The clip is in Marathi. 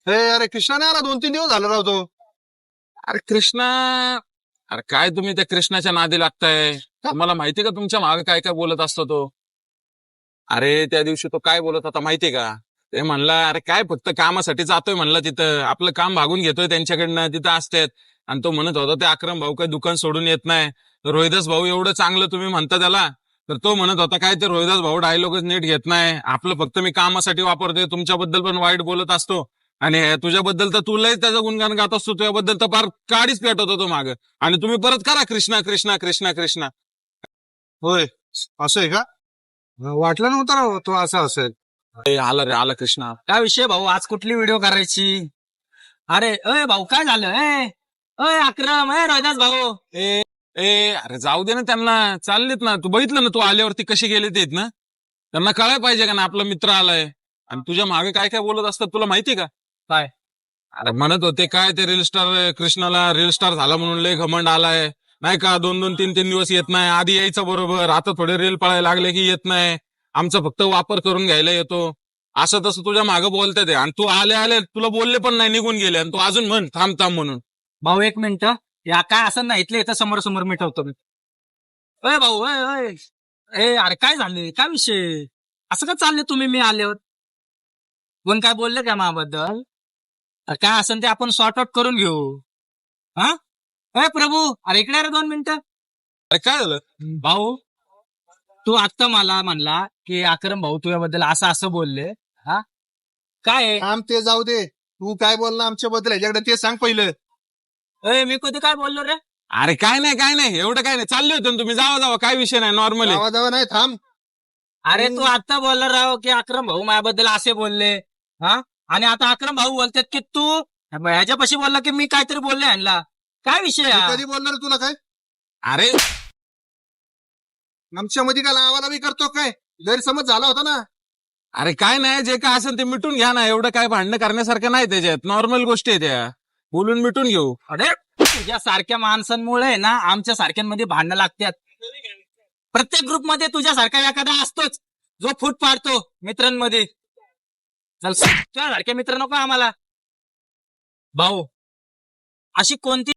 हे अरे कृष्णा नाही आला, 2-3 दिवस झालं राव तो. अरे कृष्णा, अरे काय तुम्ही त्या कृष्णाच्या नादी लागताय? तुम्हाला माहितीये का तुमच्या मागे काय काय बोलत असतो तो? अरे त्या दिवशी तो काय बोलत होता माहितीये का? ते म्हणला अरे काय फक्त कामासाठी जातोय म्हणलं, तिथं आपलं काम भागून घेतोय त्यांच्याकडनं, तिथं असतात. आणि तो म्हणत होता ते अक्रम भाऊ काय दुकान सोडून येत नाही, रोहिदास भाऊ एवढं चांगलं तुम्ही म्हणता त्याला. तर तो म्हणत होता काय ते रोहिदास भाऊ डायलॉगच नीट घेत नाही, आपलं फक्त मी कामासाठी वापरतोय, तुमच्याबद्दल पण वाईट बोलत असतो. आणि तुझ्याबद्दल तर तुलाही त्याचं गुणगान गात असतो, तुझ्याबद्दल तर फार काडीच पेटत होतो माग. आणि तुम्ही परत करा कृष्णा कृष्णा कृष्णा कृष्णा. होय, असं आहे का? वाटलं नव्हतं राव तो असं असेल. आला रे आला कृष्णा. काय विषय भाऊ, आज कुठली व्हिडिओ करायची? अरे अय भाऊ काय झालं? अय अक्रम, रोहिदास भाऊ. ए ए अरे जाऊ दे ना त्यांना, चाललेत ना. तू बघितलं ना तू आल्यावरती कसे गेले ते ना. त्यांना कळायला पाहिजे का ना आपला मित्र आलाय. आणि तुझ्या मागे काय काय बोलत असतात तुला माहिती का? काय? अरे म्हणत होते काय ते रील स्टार कृष्णाला रील स्टार झाला म्हणून लय घमंड आलाय, नाही का? 2-2, 3-3 दिवस येत नाही, आधी यायचं बरोबर, आता थोडे रील पळायला लागले की येत नाही, आमचा फक्त वापर करून घ्यायला येतो. असं तसं तुझ्या मागे बोलतात ते. आणि तू आले आले तुला बोलले पण नाही, निघून गेले. आणि तू अजून म्हण थांब थांब म्हणून. भाऊ एक मिनिट, या काय असं नाही, इथलं इथं समोर समोर मिटवतो मी. अय भाऊ, अरे काय झाले? काय विषय? असं का चालले तुम्ही मी आल्यावर? कोण काय बोलले का माझ्याबद्दल? काय असेल ते आपण सॉर्ट आउट करून घेऊ. हा अय प्रभू, अरे इकडे रे 2 मिनिटं. अरे काय झालं? भाऊ, तू आत्ता मला म्हणला की अक्रम भाऊ तुझ्याबद्दल असं असं बोलले. हा काय आहे? थांब, ते जाऊ दे. तू काय बोलला आमच्याबद्दल ह्याच्याकडे ते सांग पहिलं. मी कधी काय बोललो रे? अरे काय नाही काय नाही, एवढं काय नाही, चालले होते ना तुम्ही, जावा जावा, काय विषय नाही, नॉर्मल आहे. जावा जावा नाही, थांब. अरे तू आता बोलला राव की अक्रम भाऊ माझ्याबद्दल असे बोलले. हा आणि आता अक्रम भाऊ बोलतात की तू ह्याच्यापाशी बोलला की मी काहीतरी बोलले ह्यांना. काय विषय मी हा? कधी बोलणार तुला काय? अरे आमच्यामध्ये काय लावाला बी करतो काय? गैरसमज झाला होता ना. अरे काय नाही, जे काय असेल ते मिटून घ्या ना, एवढं काय भांडणं करण्यासारखं नाही त्याच्यात, नॉर्मल गोष्टी आहे त्या, बोलून मिटून घेऊ. अरे तुझ्या सारख्या माणसांमुळे ना आमच्या सारख्यांमध्ये भांडणं लागतात. प्रत्येक ग्रुपमध्ये तुझ्यासारखा एखादा असतोच जो फूट पाडतो मित्रांमध्ये. चल तुझ्या सारखे मित्र नको आम्हाला. भाऊ, अशी कोणती